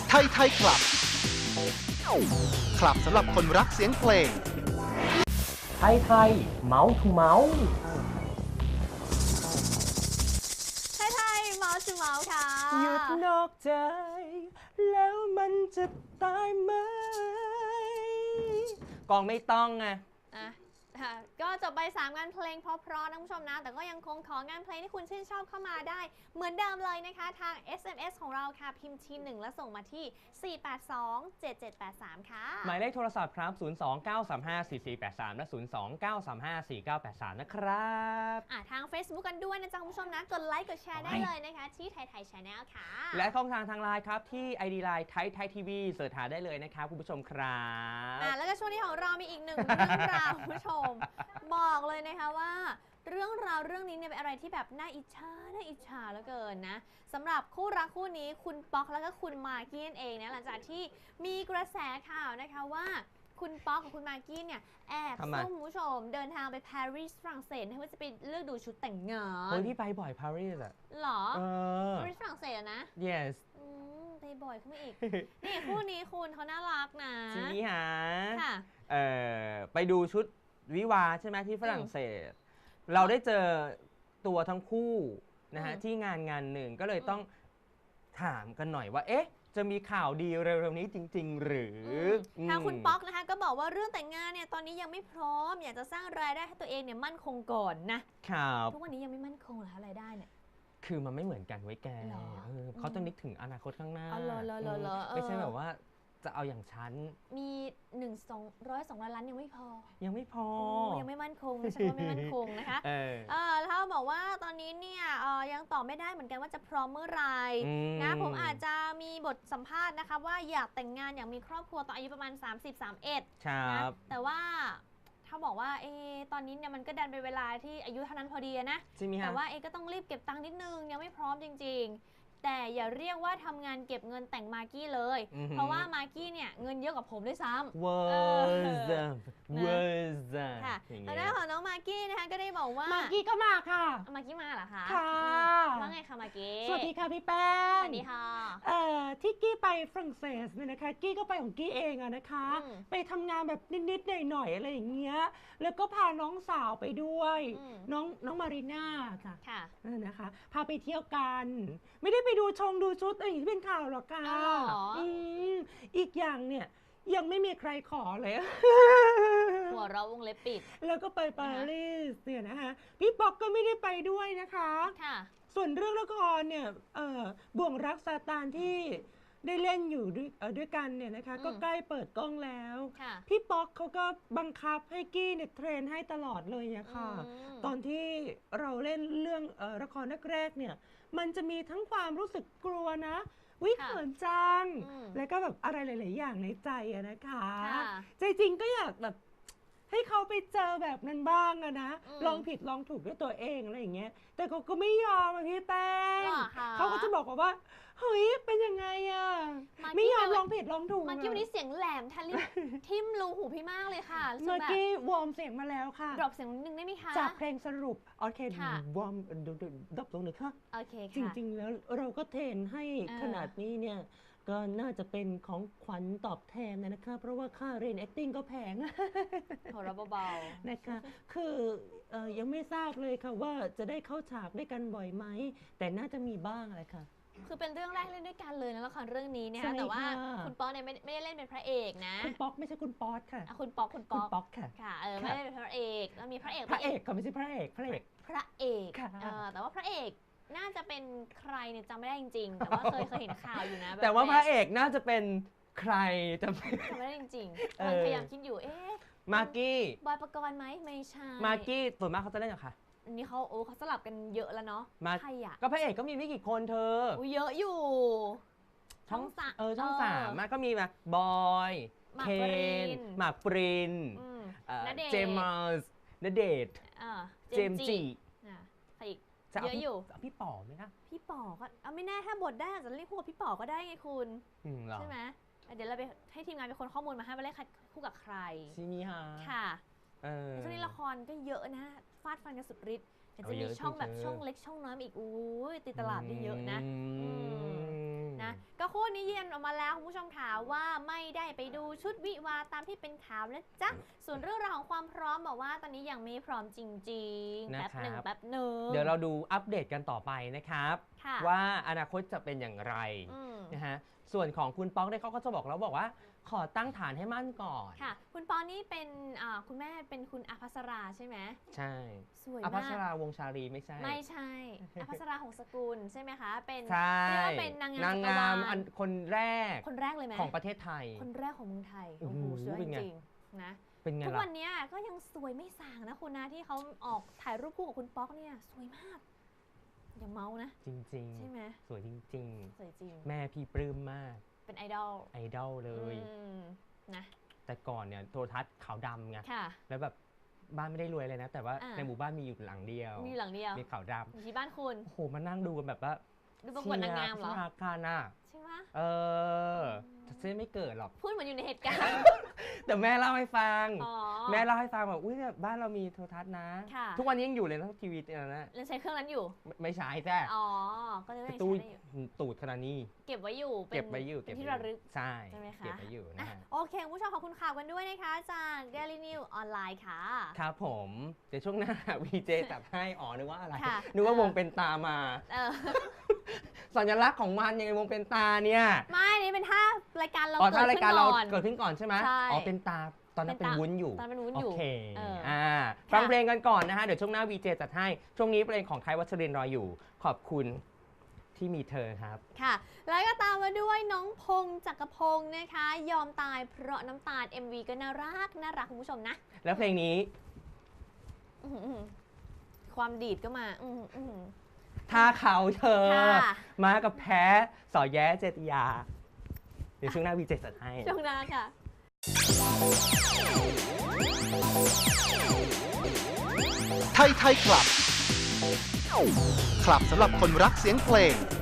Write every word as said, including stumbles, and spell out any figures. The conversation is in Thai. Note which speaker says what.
Speaker 1: ไทยไทยคลับคลับสำหรับคนรักเสียงเพลง
Speaker 2: ไทยไทยเมาส์ทูเมาส์
Speaker 3: ไทยไทยเมาส์ทูเมาส์ค่ะ
Speaker 2: หยุดนอกใจแล้วมันจะตายไหมกองไม่ต้องไง
Speaker 3: อ่ะก็จบไปสามงานเพลงเพราะๆนะคุณผู้ชมนะแต่ก็ยังคงของานเพลงที่คุณชื่นชอบเข้ามาได้เหมือนเดิมเลยนะคะทาง เอส เอ็ม เอส ของเราค่ะพิมพ์ทีหนึ่งแล้วส่งมาที่สี่ แปด สอง เจ็ด เจ็ด แปด สามค่ะ
Speaker 2: หมายเลขโทรศัพท์ครับศูนย์ สอง เก้า สาม ห้า สี่ สี่ แปด สามและศูนย์ สอง เก้า สาม ห้า สี่ เก้า แปด สามนะครับ
Speaker 3: อ่ะทาง Facebook กันด้วยนะจ๊ะคุณผู้ชมนะกดไลค์กดแชร์ได้เลยนะคะที่ไทยไทย Channel ค่ะ
Speaker 2: และช่องทางทางไลน์ครับที่ ไอ ดี ไลน์ไทยไทยทีวีเสิร์ชหาได้เลยนะครับคุณผู้ชมครับ
Speaker 3: อ่ะแล้วก็ช่วงนี้ของเรามีอีกหนึ่งเรื่องราวคุณผู้ชมบอกเลยนะคะว่าเรื่องราวเรื่องนี้เนี่ยเป็นอะไรที่แบบน่าอิจฉาน่าอิจฉาเหลือเกินนะสำหรับคู่รักคู่นี้คุณป๊อกแล้วก็คุณมากกี้นั่นเองนะหลังจากที่มีกระแสข่าวนะคะว่าคุณป๊อกกับคุณมากกี้เนี่ยแอบซุ่มคุณผู้ชมเดินทางไปปารีสฝรั่งเศสเพื่อจะไปเลือกดูชุดแต่งงาน
Speaker 2: เฮ้ยพี่ไปบ่อยปารีสอะ
Speaker 3: หรอ
Speaker 2: เออ
Speaker 3: ปารีสฝรั่งเศสนะ
Speaker 2: yes
Speaker 3: อืมไปบ่อยขึ้นมาอีก นี่คู่นี้คุณเขาน่ารักนะ
Speaker 2: ทีนี้ฮะ
Speaker 3: ค่ะ
Speaker 2: เอ่อไปดูชุดวิวาใช่ไหมที่ฝรั่งเศสเราได้เจอตัวทั้งคู่นะฮะที่งานงานหนึ่งก็เลยต้องถามกันหน่อยว่าเอ๊ะจะมีข่าวดีเร็วๆนี้จริงๆหรือ
Speaker 3: ทางคุณป๊อกนะคะก็บอกว่าเรื่องแต่งงานเนี่ยตอนนี้ยังไม่พร้อมอยากจะสร้างรายได้ให้ตัวเองเนี่ยมั่นคงก่อนนะครับทุกวันนี้ยังไม่มั่นคงเหรอคะรายได้เนี่ย
Speaker 2: คือมันไม่เหมือนกันไว้แกเขาต้องนึกถึงอนาคตข้างหน้าไม่ใช่แบบว่าจะเอาอย่างฉัน
Speaker 3: มีหนึ่งสองร้อยสองล้านล้านยังไม่พอ
Speaker 2: ยังไม่พอ
Speaker 3: ยังไม่มั่นคงใช่ว่าไม่มั่นคงนะคะเออแล้วบอกว่าตอนนี้เนี่ยยังตอบไม่ได้เหมือนกันว่าจะพร้อมเมื่อไหร่นะผมอาจจะมีบทสัมภาษณ์นะคะว่าอยากแต่งงานอยากมีครอบครัวตอนอายุประมาณสามสิบ สามสิบเอ็ดนะแต่ว่าถ้าบอกว่าเอตอนนี้เนี่ยมันก็ดันเป็นเวลาที่อายุเท่านั้นพอดีนะแต่ว่าเอก็ต้องรีบเก็บตังค์นิดนึงยังไม่พร้อมจริงๆแต่อย่าเรียกว่าทำงานเก็บเงินแต่งมากกี้เลยเพราะว่ามากกี้เนี่ยเงินเยอะกว่าผมด้วยซ้ำ
Speaker 2: Words Words
Speaker 3: ค่ะแล้วด้านของน้องมากกี้นะคะก็ได้บอกว่าม
Speaker 4: ากกี้ก็มาค่ะ
Speaker 3: มากกี้มาเหรอคะ
Speaker 4: ค่ะ
Speaker 3: ว่าไงคะมากกี้
Speaker 4: สวัสดีค่ะพี่แป้ง
Speaker 3: สวัสดีค่ะ
Speaker 4: เอ่อที่กี้ไปฝรั่งเศสเนี่ยนะคะกี้ก็ไปของกี้เองอะนะคะไปทำงานแบบนิดๆหน่อยๆอะไรอย่างเงี้ยแล้วก็พาน้องสาวไปด้วยน้องน้องมารีน่าค่ะ
Speaker 3: ค่ะ
Speaker 4: นะคะพาไปเที่ยวกันไม่ได้ไปดูชงดูชุดอะไรอย่างที่เป็นข่าวหรอกค่ะอืมอีกอย่างเนี่ยยังไม่มีใครขอเลย
Speaker 3: หัวเราวงเล็บปิด
Speaker 4: แล้วก็ไปปารีสเนี่ยนะคะพี่ป๊อกก็ไม่ได้ไปด้วยนะคะ
Speaker 3: ค่ะ
Speaker 4: ส่วนเรื่องละครเนี่ยบ่วงรักซาตานที่ได้เล่นอยู่ด้วยด้วยกันเนี่ยนะคะก็ใกล้เปิดกล้องแล้วพี่ป๊อกเขาก็บังคับให้กี้เนี่ยเทรนให้ตลอดเลยอะค่ะตอนที่เราเล่นเรื่องละครแรกๆเนี่ยมันจะมีทั้งความรู้สึกกลัวนะวิเขินจังแล้วก็แบบอะไรหลายๆอย่างในใจอะนะคะใจจริงก็อยากแบบให้เขาไปเจอแบบนั้นบ้างอะนะลองผิดลองถูกด้วยตัวเองอะไรอย่างเงี้ยแต่เขาก็ไม่ยอมอะพี่แป้งเขาก็จะบอกว่าเฮ้ยเป็นยังไงอะไม่ยอมลองผิดลองถูก
Speaker 3: มากกี้วันนี้เสียงแหลมทะลุทิ่มรูหูพี่มากเลยค่ะ
Speaker 4: เมื่อกี้วอร์มเสียงมาแล้วค่ะ
Speaker 3: ดรอปเสียงนิดนึงได้ไหมคะ
Speaker 4: จากเพลงสรุปโอเควอร์มดรอปลงหนึ่งค่ะ
Speaker 3: โอเค
Speaker 4: ค่ะจริงๆแล้วเราก็เทรนให้ขนาดนี้เนี่ยก็น่าจะเป็นของขวัญตอบแทนนะคะเพราะว่าค่าเรียน acting ก็แพง
Speaker 3: โหเราเบา
Speaker 4: ๆนะคะคือยังไม่ทราบเลยค่ะว่าจะได้เข้าฉากด้วยกันบ่อยไหมแต่น่าจะมีบ้างเลยค่ะ
Speaker 3: คือเป็นเรื่องแรกเล่นด้วยกันเลยนะละครเรื่องนี้เนี่ยแต่ว่าคุณป๊อกเนี่ยไม่ไม่ได้เล่นเป็นพระเอกนะ
Speaker 4: คุณป๊อกไม่ใช่คุณป๊อตค่ะ
Speaker 3: คุณป๊อกคุณป๊อก
Speaker 4: คุณป๊อกค่ะ
Speaker 3: ค่ะเออไม่ได้เป็นพระเอกแล้วมีพระเอก
Speaker 4: พระเอกเขาไม่ใช่พระเอกพระเอก
Speaker 3: พระเอกแต่ว่าพระเอกน่าจะเป็นใครเนี่ยจำไม่ได้จริงๆแต่ว่าเคยเคยเห็นข่าวอยู่นะ
Speaker 2: แต่ว่าพระเอกน่าจะเป็นใครจำ
Speaker 3: ไม่ได้จริงๆพยายามคิดอยู่เอ๊ะ
Speaker 2: มากกี้
Speaker 3: บอยปกรณ์ไหมไม่ใช่
Speaker 2: มากกี้ส่วนมากเขาจะเล่นกับใคร
Speaker 3: อันนี้เขาโอ้เขาสลับกันเยอะแล้วเนาะ
Speaker 2: ใครอ่ะก็พระเอกก็มีไม่กี่คนเธอ
Speaker 3: อุ้ยเยอะอยู่
Speaker 2: ช่องสามเออช่องสามมาก็มีมาบอยเคนหมากปรินเจมส์ณเดชน์เจมจี
Speaker 3: ใครอีกเยอะอยู่
Speaker 2: พี่ป๋อไหมคะ
Speaker 3: พี่ป๋อก็เอาไม่แน่ถ้าบทได้อาจจะเรียกคู่กับพี่ป๋อก็ได้ไงคุณใช่ไหมเดี๋ยวเราไปให้ทีมงานเป็นคนข้อมูลมาให้ว่าเล่นคู่กับใคร
Speaker 2: ใช่ไหมฮะ
Speaker 3: ค่ะช่วงนี้ละครก็เยอะนะฟาดฟันกันสุดฤทธิ์แต่จะมีช่องแบบช่องเล็กช่องน้อยอีกอู้ยตีตลาดได้เยอะนะนะก็คู่นี้ยืนออกมาแล้วคุณผู้ชมค่ะว่าไม่ได้ไปดูชุดวิวาตามที่เป็นข่าวนะจ๊ะส่วนเรื่องราวของความพร้อมบอกว่าตอนนี้ยังไม่พร้อมจริงๆแป๊บหนึ่งแป๊บหนึ่ง
Speaker 2: เดี๋ยวเราดูอัปเดตกันต่อไปนะครับว่าอนาคตจะเป็นอย่างไรนะฮะส่วนของคุณป๊อกเนี่ยเขาก็จะบอกแล้วบอกว่าขอตั้งฐานให้มั่นก่อน
Speaker 3: ค่ะคุณป๊อกนี่เป็นคุณแม่เป็นคุณอภัสราใช่ไหม
Speaker 2: ใช่
Speaker 3: สวยมาก
Speaker 2: อภัสราวงชาลีไม่ใช่
Speaker 3: ไม่ใช่อภัสราหงสกุลใช่ไหมคะเป็น
Speaker 2: เรียกว่า
Speaker 3: เป็นนาง
Speaker 2: งามนางงามอันคนแรก
Speaker 3: คนแรกเลยไหม
Speaker 2: ของประเทศไทย
Speaker 3: คนแรกของเมืองไทยโอ้โหสวยจริงๆนะ
Speaker 2: เป็นไงล่ะ
Speaker 3: ทุกวันนี้ก็ยังสวยไม่ส่างนะคุณนะที่เขาออกถ่ายรูปคู่กับคุณป๊อกเนี่ยสวยมากอย่าเมานะ
Speaker 2: จริงๆ
Speaker 3: ใช่ไหม
Speaker 2: สวยจริง
Speaker 3: ๆสวยจริง
Speaker 2: แม่พี่ปลื้มมาก
Speaker 3: เป็นไอดอล
Speaker 2: ไอดอลเลย
Speaker 3: นะ
Speaker 2: แต่ก่อนเนี่ยโทรทัศน์ขาวดำไงแล้วแบบบ้านไม่ได้รวยเลยนะ แต่ว่าในหมู่บ้านมีอยู่หลังเดียว
Speaker 3: มีหลังเดียว
Speaker 2: มีขาวดำ
Speaker 3: อยู่ที่บ้านคุณ
Speaker 2: โอ้โหมานั่งดูกันแบบว่า
Speaker 3: ดูประกวดนางงามเหรอ
Speaker 2: อาคารน่ะ
Speaker 3: ใช่ไหม
Speaker 2: เออเส้นไม่เกิดหรอก
Speaker 3: พูดเหมือนอยู่ในเหตุการณ์
Speaker 2: แต่แม่เล่าให้ฟังแม่เล่าให้ฟังแบบอุ้ยเนี่ยบ้านเรามีโทรทัศน์นะทุกวันนี้ยังอยู่เลยนะทีวีเนี่ยนะ
Speaker 3: ยังใช้เครื่องนั้นอยู่
Speaker 2: ไม่ใช้แจ้
Speaker 3: อ๋อก็เลย
Speaker 2: ตู้ตูดขนาดนี้
Speaker 3: เก็บไว้อยู่
Speaker 2: เก็บไว้อยู่
Speaker 3: เป็นที่ระลึก
Speaker 2: ใช่
Speaker 3: ใช่ไหมคะ
Speaker 2: เก็บไว้อยู่นะ
Speaker 3: โอเคคุณผู้ชมขอบคุณข่าวกันด้วยนะคะจาก Daily News ออนไลน์ค่ะ
Speaker 2: ครับผมเดี๋ยวช่วงหน้า วี เจ จัดให้อ๋อนึกว่าอะไรนึกว่าวงเป็นตามาสัญลักษณ์ของมันยังไงวงเป็นตาเนี่ย
Speaker 3: ไม่นี่เป็นท่ารายการเรา
Speaker 2: เกิดขึ้นก่อนเกิดขึ้นก่อนใช่ไหมอ๋อเป็นตาตอนนั้นเป็นวุ้นอยู่
Speaker 3: ตอนเป็นวุ้นอยู่
Speaker 2: โอเคอ่าฟังเพลงกันก่อนนะฮะเดี๋ยวช่วงหน้า วี เจ จัดให้ช่วงนี้เพลงของไทยวัชรินทร์รออยู่ขอบคุณที่มีเธอครับ
Speaker 3: ค่ะแล้วก็ตามมาด้วยน้องพงษ์จักรพงษ์นะคะยอมตายเพราะน้ำตาล เอ็ม วี ก็น่ารักน่ารักคุณผู้ชมนะ
Speaker 2: แล้วเพลงนี้
Speaker 3: ความดีดก็มา
Speaker 2: ถ้าเขาเธอมากับแพ้สอแย้เจติยาเดี๋ยวช่วงหน้า วี เจ จัดให้
Speaker 3: ช่วงหน้าค่ะ
Speaker 1: ไทยไทยคลับ คลับสำหรับคนรักเสียงเพลง